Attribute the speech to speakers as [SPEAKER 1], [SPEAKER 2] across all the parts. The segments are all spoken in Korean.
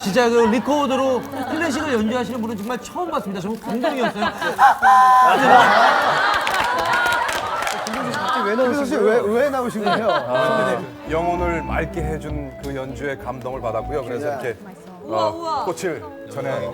[SPEAKER 1] 진짜 그 리코더로 클래식을 연주하시는 분은 정말 처음 봤습니다. 정말 감동이었어요.
[SPEAKER 2] 그래서 씨 왜 나오신 거예요?
[SPEAKER 3] 영혼을 맑게 해준 그 연주에 감동을 받았고요. 그래서 이렇게 꽃을 전해.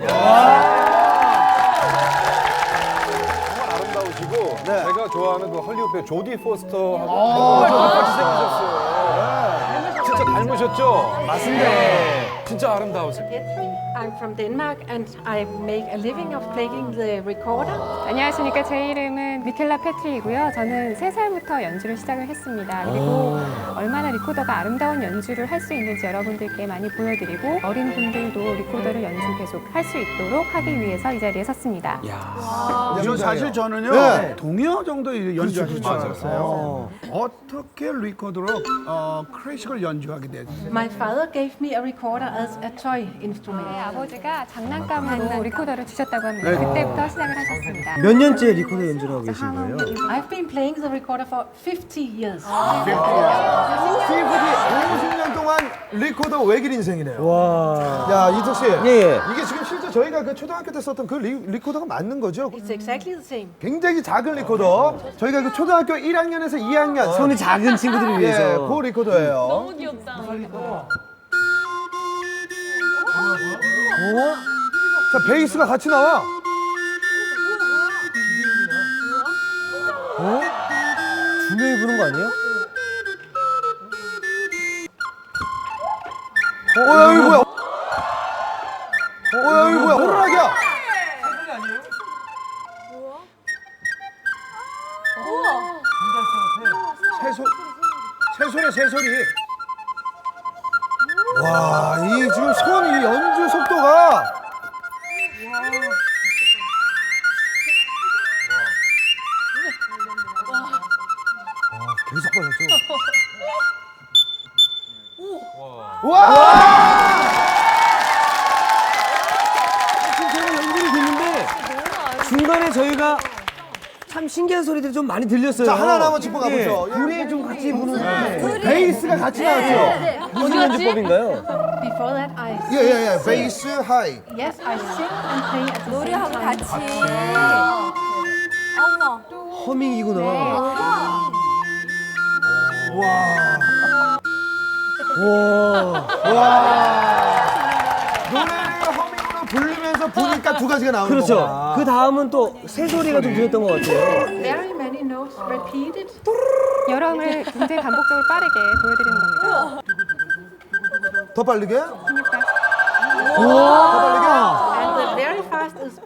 [SPEAKER 3] 정말 아름다우시고 제가 좋아하는 그 헐리우드 배우 조디 포스터하고 같이 생기셨어요. 진짜 닮으셨죠? 맞습니다. 진짜 아름다우세요.
[SPEAKER 4] I'm from Denmark and I make a living of playing the recorder.
[SPEAKER 5] 안녕하십니까. 제 이름은 미켈라 패트리이고요. 저는 3살부터 연주를 시작을 했습니다. 그리고 얼마나 리코더가 아름다운 연주를 할 수 있는지 여러분들께 많이 보여드리고 어린 분들도 리코더를 연주 계속 할 수 있도록 하기 위해서 이 자리에 섰습니다.
[SPEAKER 6] 사실 저는요
[SPEAKER 2] 네.
[SPEAKER 6] 동요 정도 연주하실 줄
[SPEAKER 3] 맞아요.
[SPEAKER 6] 알았어요. 어떻게 리코더로 클래식을 연주하게 됐어요?
[SPEAKER 4] My father gave me a recorder as a toy instrument.
[SPEAKER 5] 아버지가 장난감으로 리코더를 주셨다고 합니다. 그때부터 시작을 하셨습니다.
[SPEAKER 1] 몇 년째 리코더 연주를 하고 계신 거예요?
[SPEAKER 4] I've been playing the recorder for 50 years.
[SPEAKER 2] 스티브디 50년 동안 리코더 외길 인생이네요.
[SPEAKER 1] 와.
[SPEAKER 2] 야, 이석 씨.
[SPEAKER 1] 예.
[SPEAKER 2] 이게 지금 실제 저희가 그 초등학교 때 썼던 그 리코더가 맞는 거죠?
[SPEAKER 4] It's exactly the same.
[SPEAKER 2] 굉장히 작은 리코더. 저희가 그 초등학교 1학년에서 2학년
[SPEAKER 1] 손이 작은 친구들을 위해서.
[SPEAKER 2] 예, 그 리코더예요.
[SPEAKER 7] 너무 귀엽다.
[SPEAKER 2] 자, 베이스가 같이 나와.
[SPEAKER 1] 두 명이 부는 거 아니에요?
[SPEAKER 2] 야, 이거 뭐야? 야, 이거 뭐야? 호루라기야. 새소리. 와, 이 지금 이 연주 속도가. 계속 빨라져. 와!
[SPEAKER 1] 지금 제가 연주를 듣는데 중간에 저희가 참 신기한 소리들이 좀 많이 들렸어요.
[SPEAKER 2] 자, 하나하나 짚어 가보죠.
[SPEAKER 1] 둘이 좀 같이 부는
[SPEAKER 2] 베이스가 같이 나왔죠.
[SPEAKER 1] 무슨 연주법인가요?
[SPEAKER 4] Before that, I
[SPEAKER 2] 예. 베이스 하이.
[SPEAKER 4] yes, I sing and play at the same
[SPEAKER 7] 노래하고
[SPEAKER 4] time.
[SPEAKER 7] 같이. 어머나.
[SPEAKER 1] 허밍이구나.
[SPEAKER 2] 노래를 허밍으로 부르면서 부니까 두 가지가 나오는
[SPEAKER 1] 그렇죠.
[SPEAKER 2] 거구나.
[SPEAKER 1] 그 다음은 또 새소리가 좀 들렸던 것 같아요.
[SPEAKER 4] Very many notes repeated.
[SPEAKER 5] 여러분을 굉장히 반복적으로 빠르게 보여드리는 겁니다.
[SPEAKER 2] 더 빠르게?
[SPEAKER 5] 그러니까
[SPEAKER 2] 더 빠르게?
[SPEAKER 4] And the very fast is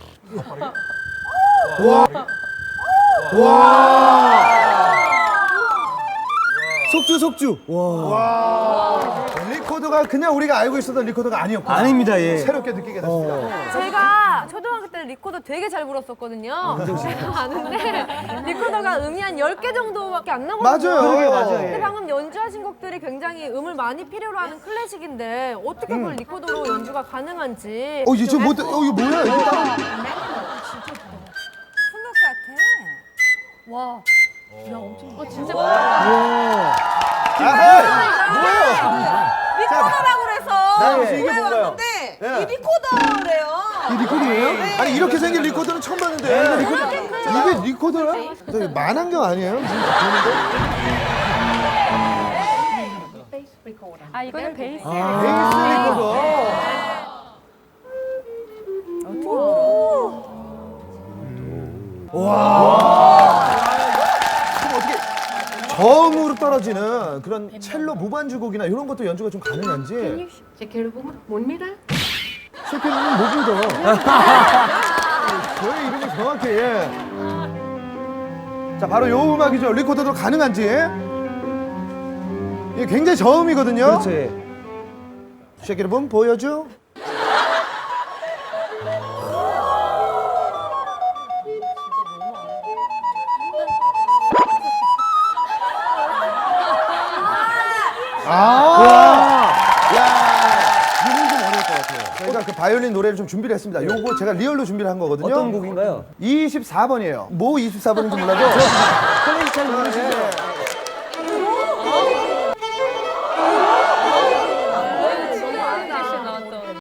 [SPEAKER 1] 속주. 와.
[SPEAKER 2] 리코더가 그냥 우리가 알고 있었던 리코더가 아니었고.
[SPEAKER 1] 아닙니다, 예.
[SPEAKER 2] 새롭게 느끼게 됐습니다.
[SPEAKER 7] 제가 초등학교 때 리코더 되게 잘 불었었거든요. 제가 아는데 리코더가 음이 한 10개 정도밖에 안 나거든요.
[SPEAKER 2] 맞아요. 그러게요,
[SPEAKER 1] 맞아요.
[SPEAKER 7] 근데 방금 연주하신 곡들이 굉장히 음을 많이 필요로 하는 클래식인데 어떻게 그걸 리코더로 연주가 가능한지.
[SPEAKER 2] 이게 지금 뭐, 이거 뭐야? 이거 따로.
[SPEAKER 7] 플룻 같아. 와. 진짜 리코더라고 그래서
[SPEAKER 2] 나연 씨, 이게 뭔가요?
[SPEAKER 7] 왔는데
[SPEAKER 2] 예.
[SPEAKER 7] 이 리코더래요.
[SPEAKER 2] 이 리코더예요? 아니, 이렇게 생긴 리코더는 처음 봤는데. 이게 리코더야? 저기 만안경 아니에요?
[SPEAKER 4] bass recorder.
[SPEAKER 5] 아 이거는 베이스.
[SPEAKER 2] 베이스 리코더. 그럼 어떻게 저음으로 떨어지는 그런 첼로 무반주곡이나 이런 것도 연주가 좀 가능한지.
[SPEAKER 4] 제키를 뭡니다.
[SPEAKER 2] 셰프는 못 믿어. 저의 이름이 정확히, 예. 자, 바로 요 음악이죠. 리코더도 가능한지. 이게 굉장히 저음이거든요.
[SPEAKER 1] 그렇죠. 예.
[SPEAKER 2] 셰키를 보여줘. 이건 좀 어려울 것 같아요. 저희가 그 바이올린 노래를 좀 준비를 했습니다. 요거 제가 리얼로 준비를 한 거거든요.
[SPEAKER 1] 어떤 곡인가요?
[SPEAKER 2] 24번이에요. 뭐 24번인지 몰라도.
[SPEAKER 1] 클래식 잘 모르시죠?